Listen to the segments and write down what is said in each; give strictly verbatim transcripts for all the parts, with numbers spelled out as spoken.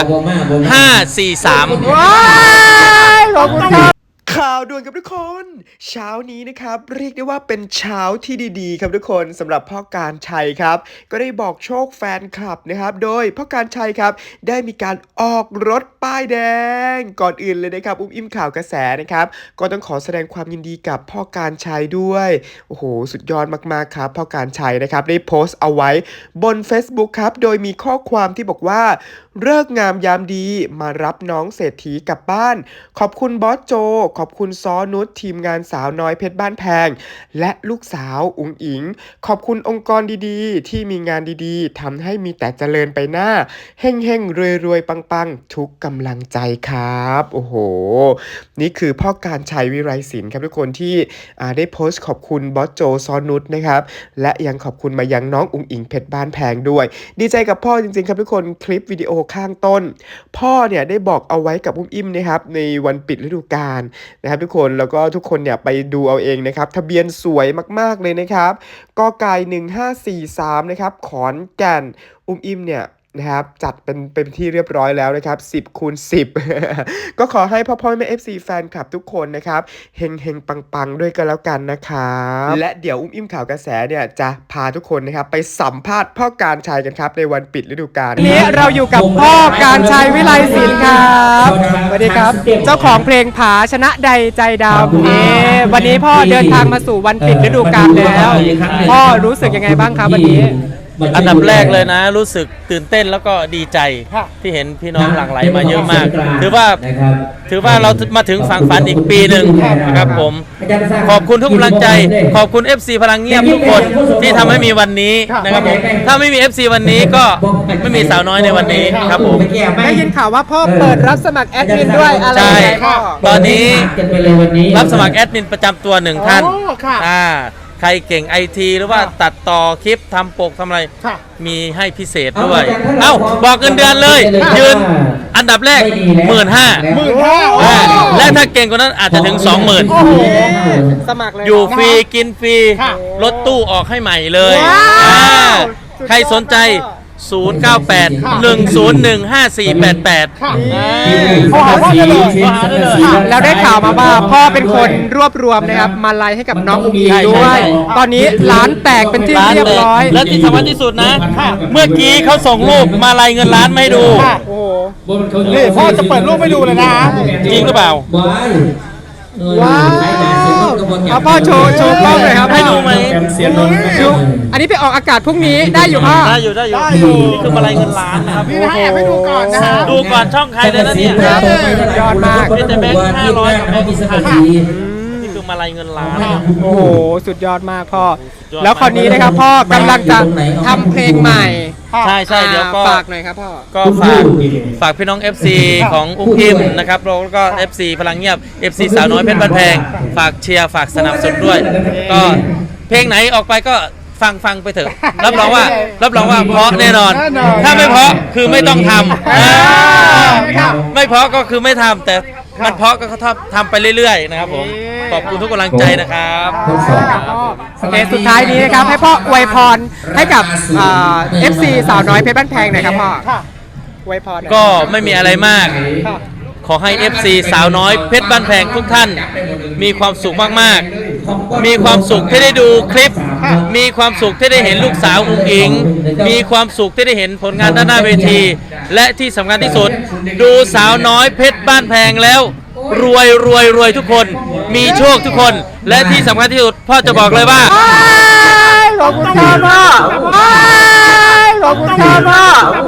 ห้าสี่สามว้ายขอบคุณครับข่าวด่วนกับทุกคน เช้านี้นะครับเรียกได้ว่าเป็นเช้าที่ดีๆครับทุกคนสำหรับพ่อการชัยครับก็ได้บอกโชคแฟนคลับนะครับโดยพ่อการชัยครับได้มีการออกรถป้ายแดงก่อนอื่นเลยนะครับอุ้มอิ่มข่าวกระแสนะครับก็ต้องขอแสดงความยินดีกับพ่อการชัยด้วยโอ้โหสุดยอดมากๆครับพ่อการชัยนะครับได้โพสต์เอาไว้บน Facebook ครับโดยมีข้อความที่บอกว่าเลิกงามยามดีมารับน้องเศรษฐีกลับบ้านขอบคุณบอสโจขอบคุณซ้อนุชทีมงานสาวน้อยเพชรบ้านแพงและลูกสาวอุ๋งอิงขอบคุณองค์กรดีๆที่มีงานดีๆทำให้มีแต่เจริญไปหน้าเฮ่งเฮ่งรวยรวยปังปังทุกกำลังใจครับโอ้โหนี่คือพ่อการชัยวิไรศิลป์ครับทุกคนที่ได้โพสต์ขอบคุณบอสโจซ้อนุชนะครับและยังขอบคุณมายังน้องอุ๋งอิงเพชรบ้านแพงด้วยดีใจกับพ่อจริงๆครับทุกคนคลิปวิดีโอข้างต้นพ่อเนี่ยได้บอกเอาไว้กับอุ้มอิ่มนะครับในวันปิดฤดูกาลนะครับทุกคนแล้วก็ทุกคนเนี่ยไปดูเอาเองนะครับทะเบียนสวยมากๆเลยนะครับกไก่หนึ่งห้าสี่สามนะครับขอนแก่นอุ้มอิ่มเนี่ยนะครับจัดเป็นเป็นที่เรียบร้อยแล้วนะครับสิบคูณสิบ ก็ขอให้พ่อพ่อแม่ เอฟ ซี แฟนคลับทุกคนนะครับเฮงเฮงปังปังด้วยกันแล้วกันนะครับและเดี๋ยวอุ้มอิ่มข่าวกระแสเนี่ยจะพาทุกคนนะครับไปสัมภาษณ์พ่อการชัยกันครับในวันปิดฤดูกาลวันนี้เราอยู่กับพ่อการชัยวิไลศิลป์ครับสวัสดีครับเจ้าของเพลงผาชนะใดใจดำนี่วันนี้พ่อเดินทางมาสู่วันปิดฤดูกาลแล้วพ่อรู้สึกยังไงบ้างครับวันนี้อันดับแรกเลยนะรู้สึกตื่นเต้นแล้วก็ดีใจที่เห็นพี่น้องหลั่งไหลมาเยอะมากถือว่าถือว่าเรามาถึงฝั่งฝันอีกปีหนึ่งนะครับผมขอบคุณทุกกำลังใจขอบคุณ เอฟ ซี พลังเงียบทุกคนที่ทำให้มีวันนี้นะครับผมถ้าไม่มี เอฟ ซี วันนี้ก็ไม่มีสาวน้อยในวันนี้ครับผมได้ยินข่าวว่าพ่อเปิดรับสมัครแอดมินด้วยอะไรใช่ตอนนี้รับสมัครแอดมินประจำตัวหนึ่งท่านอ่าใครเก่งไอทีหรือว่าตัดต่อคลิปทำปกทำอะไรมีให้พิเศษด้วยเอ้าบอกเงินเดือนเลยยืนอันดับแรกหมื่นห้าหมื่นห้าและถ้าเก่งกว่านั้นอาจจะถึงสองหมื่นสมัครเลยอยู่ฟรีกินฟรีรถตู้ออกให้ใหม่เลยใครสนใจศูนย์ เก้า แปด หนึ่ง ศูนย์ หนึ่ง ห้า สี่ แปด แปดพ่อพ่อได้เลยเราได้ข่าวมาว่าพ่อเป็นคนรวบรวมนะครับมาลัยให้กับน้องอุ๋งอิงด้วยตอนนี้ร้านแตกเป็นที่เรียบร้อยและที่สำคัญที่สุดนะเมื่อกี้เขาส่งรูปมาลัยเงินล้านไม่ดูโอ้นี่พ่อจะเปิดรูปไม่ดูเลยนะจริงหรือเปล่าว้าวเอาพ่อโชว์โชว์กล้องเลยครับให้ดูไหมดูอันนี้ไปออกอากาศพรุ่งนี้ได้อยู่พ่อได้อยู่ได้อยู่นี่คือมาลัยเงินล้านนะครับพี่ให้แอบให้ดูก่อนนะฮะดูก่อนช่องใครเลยนะเนี่ยยอดมากเป็นแต่แบงค์ห้าร้อยกับแบงค์พันนี่คือมาลัยเงินล้านโอ้โหสุดยอดมากพ่อแล้วคราวนี้นะครับพ่อกำลังจะทำเพลงใหม่ใช่ใช่เดี๋ยวก็ฝากหน่อยครับพ่อก็ฝากฝากพี่น้อง เอฟ ซี ของอุ้มอิ่มนะครับแล้วก็ เอฟ ซี พลังเงียบ เอฟ ซี สาวน้อยเพชรบ้านแพงฝากเชียร์ฝากสนับสนุนด้วยก็เพลงไหนออกไปก็ฟังฟังไปเถอะรับรองว่ารับรองว่าเพราะแน่นอนถ้าไม่เพราะคือไม่ต้องทำไม่เพราะก็คือไม่ทำแต่มันเพราะก็เขาทำไปเรื่อยๆนะครับผมขอบคุณทุกกำลังใจนะครับโอเคสุดท้ายนี้นะครับให้พ่ออวยพรให้กับเอฟซีสาวน้อยเพชรบ้านแพงหน่อยครับพ่ออวยพรก็ไม่มีอะไรมากขอให้ เอฟ ซี สาวน้อยเพชรบ้านแพงทุกท่านมีความสุขมากๆมีความสุขที่ได้ดูคลิปมีความสุขที่ได้เห็นลูกสาวอุ๋งอิงมีความสุขที่ได้เห็นผลงานด้านหน้าเวทีและที่สำคัญที่สุดดูสาวน้อยเพชรบ้านแพงแล้วรวยรวยรวยทุกคนมีโชคทุกคนและที่สำคัญที่สุดพ่อจะบอกเลยว่าขอบคุณครับพ่อขอบคุณครับพ่อ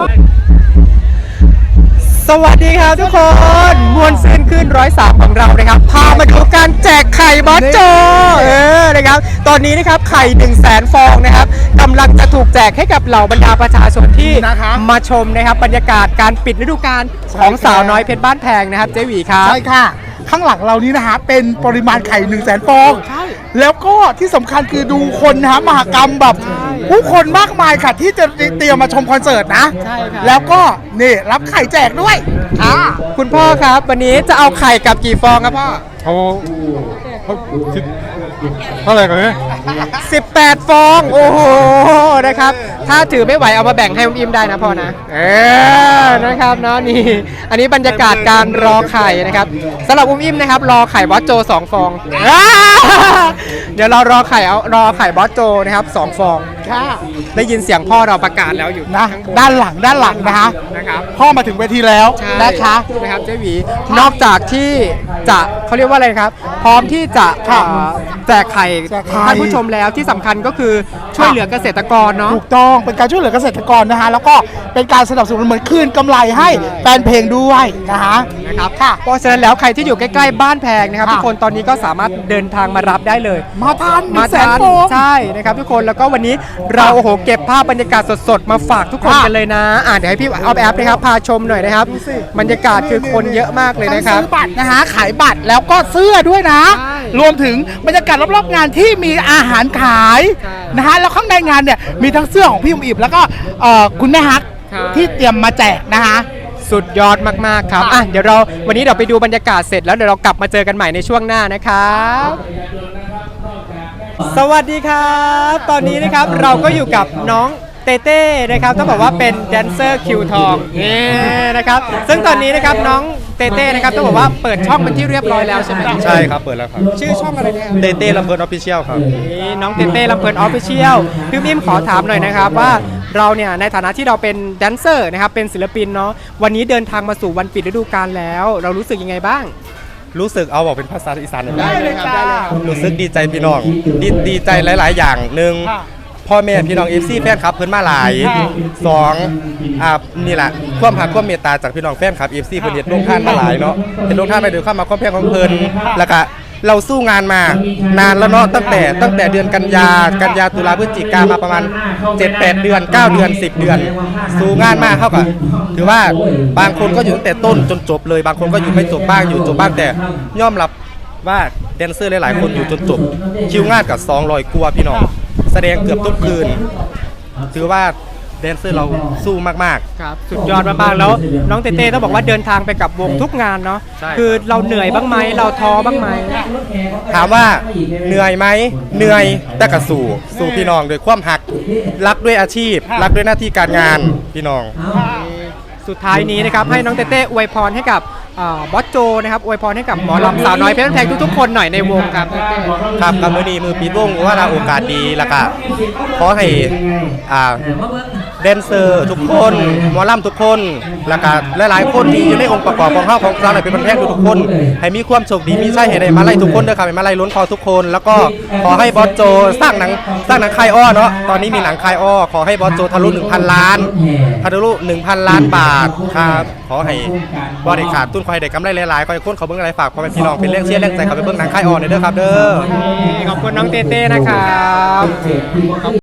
สวัสดีครับทุกคนมวลเส้นขึ้นร้อยสามของเรานะครับพามาดูการแจกไข่บอสโจเออนะครับตอนนี้นะครับไข่หนึ่งแสนฟองนะครับกำลังจะถูกแจกให้กับเหล่าบรรดาประชาชนที่มาชมนะครับบรรยากาศการปิดฤดูกาลของสาวน้อยเพชรบ้านแพงนะครับเจ๊หวีครับใช่ค่ะข้างหลังเรานี้นะฮะเป็นปริมาณไข่หนึ่งแสนฟองแล้วก็ที่สำคัญคือดูคนนะฮะมหกรรมแบบผู้คนมากมายค่ะที่จะเตรียมมาชมคอนเสิร์ตนะแล้วก็นี่รับไข่แจกด้วยค่ะคุณพ่อครับวันนี้จะเอาไข่กับกี่ฟองครับพ่อเอาเท่าไหร่กันเนี่ยสิบแปดฟองโอ้โหนะครับถ้าถือไม่ไหวเอามาแบ่งให้อุ้มอิมได้นะพ่อนะเออนะครับเนาะนี่อันนี้บรรยากาศการรอไข่นะครับสำหรับอุ้มอิมนะครับรอไข่บอสโจสองฟองอ่าเดี๋ยวเรารอไข่เอารอไข่บอสโจนะครับสองฟองได้ยินเสียงพ่อเราประกาศแล้วอยู่นะด้านหลังด้านหลังนะคะนะครับพ่อมาถึงเวทีแล้วใช่นะคะนะครับเจ๊หวีนอกจากที่จะเขาเรียกว่าอะไรครับ พร้อมที่จะค่ะเอ่อแจกไข่แจกไข่ท่านผู้ชมแล้วที่สำคัญก็คือช่วยเหลือเกษตรกรเนาะถูกต้องเป็นการช่วยเหลือเกษตรกรนะคะแล้วก็เป็นการสนับสนุนเหมือนคืนกำไรให้แฟนเพลงด้วยนะคะนะครับค่ะเพราะฉะนั้นแล้วใครที่อยู่ใกล้ๆบ้านแพงนะครับค่ะทุกคนตอนนี้ก็สามารถเดินทางมารับได้เลยมาทานมาแสนทานโฟมใช่นะครับทุกคนแล้วก็วันนี้เราโอ้โหเก็บภาพบรรยากาศสดๆมาฝากทุกคนค่ะกันเลยนะอ่าเดี๋ยวให้พี่ออฟแอปนะครับพาชมหน่อยนะครับดูสิบรรยากาศคือคนเยอะมากเลยนะครับทั้งซื้อบัตรนะคะขายบัตรแล้วก็เสื้อด้วยนะใช่รวมถึงบรรยากาศรอบๆงานที่มีอาหารขายใช่นะคะแล้วข้างในงานเนี่ยมีทั้งเสื้อของพี่อุ๋มอิบแล้วก็เอ่อคุณแม่ฮักใช่ที่เตรียมมาแจกนะคะสุดยอดมาก ๆ ครับ อ่ะ เดี๋ยวเราวันนี้เดี๋ยวไปดูบรรยากาศเสร็จแล้วเดี๋ยวเรากลับมาเจอกันใหม่ในช่วงหน้านะครับ สวัสดีครับ ตอนนี้นะครับเราก็อยู่กับน้องเต้เต้นะครับต้องบอกว่าเป็นแดนเซอร์คิวทองนี่นะครับ ซึ่งตอนนี้นะครับน้องเต้เต้นะครับต้องบอกว่าเปิดช่องเป็นที่เรียบร้อยแล้วใช่ไหมใช่ครับ เปิดแล้วครับชื่อช่องอะไรนะครับเต้เต้ลำเพลินออฟฟิเชียลครับนี่น้องเต้เต้ลำเพลินออฟฟิเชียลพี่มิมขอถามหน่อยนะครับว่าเราเนี่ยในฐานะที่เราเป็นแดนเซอร์นะครับเป็นศิลปินเนาะวันนี้เดินทางมาสู่วันปิดฤดูกาลแล้ว เรารู้สึกยังไงบ้างรู้สึกเอาบอกเป็นภาษาอีสานได้ได้เลยครับได้เลยครับรู้สึกดีใจพี่น้อง ดีดีใจหลาย ๆ อย่างหนึ่งค่ะพ่อแม่พี่น้องเอฟซีแฟนคลับเพิ่นมาหลายค่ะสองอ่านี่แหละความหักความเมตตาจากพี่น้องแฟนคลับเอฟซีเพิ่นเฮ็ดลงท่านมาหลายเนาะเฮ็ดลงท่านไปด้วยความมาความแพงของเพิ่นแล้วก็เราสู้งานมานานแล้วเนาะตั้งแต่ตั้งแต่เดือนกันยากันยาตุลาพฤศจิกามาประมาณ เจ็ดแปด เดือน เก้า เดือน สิบ เดือน สู้งานมากเท่ากับถือว่าบางคนก็อยู่ตั้งแต่ต้นจนจบเลย บางคนก็อยู่ไม่จบบ้างอยู่จบบ้างแต่ยอมรับว่าแดนเซอร์หลาย ๆ คนอยู่จนจบคิวงานกับสองร้อยกว่าพี่น้องแสดงเกือบทุกคืน ถือว่าแดนเซอร์เราสู้มากครับสุดยอดมากๆแล้วน้องเต้เต้ต้องบอกว่าเดินทางไปกับวงทุกงานเนาะใช่คือเราเหนื่อยบ้างไหมเราท้อบ้างไหมๆ ถามว่าเหนื่อยไหมเหนื่อยแต่ก็สู้สู้พี่น้องด้วยความหักรักด้วยอาชีพ รักด้วยหน้าที่การงานพี่น้องสุดท้ายนี้นะครับให้น้องเต้เต้อวยพรให้กับอ่าบอสโจนะครับอวยพรให้กับหมอลำสาวน้อยเพชรบ้านแพงทุกๆคนหน่อยในวงครับครับกับมือนี้มือปิดวงว่าเราโอกาสดีแล้วก็ขอให้อ่าแดนเซอร์ทุกคนหมอลำทุกคนแล้วก็หลายๆคนที่อยู่ในองค์ประกอบของเฮาของเราในเป็นประเทศทุกๆคน ให้มีความโชคดีมีใช่ให้ได้มาไล่ทุกคนเด้อครับให้มาไล่ล้นคอทุกคน แล้วก็ขอให้บอสโจสร้างหนังสร้างหนังคายอ้อเนาะตอนนี้มีหนังคายอ้อขอให้บอสโจทะลุ หนึ่งพัน ล้านทะลุ หนึ่งพัน ล้านบาทครับขอให้บริขาดตุ้นคอยได้กำไรหลายๆคอยคนเขาเบิ่งอะไรฝากพ่อแม่พี่น้องเป็นเรื่องเชียร์เรื่องใจเขาไปเบิ่งหนังคายอ้อหน่อยเด้อครับเด้อขอบคุณน้องเต้เต้นะครับ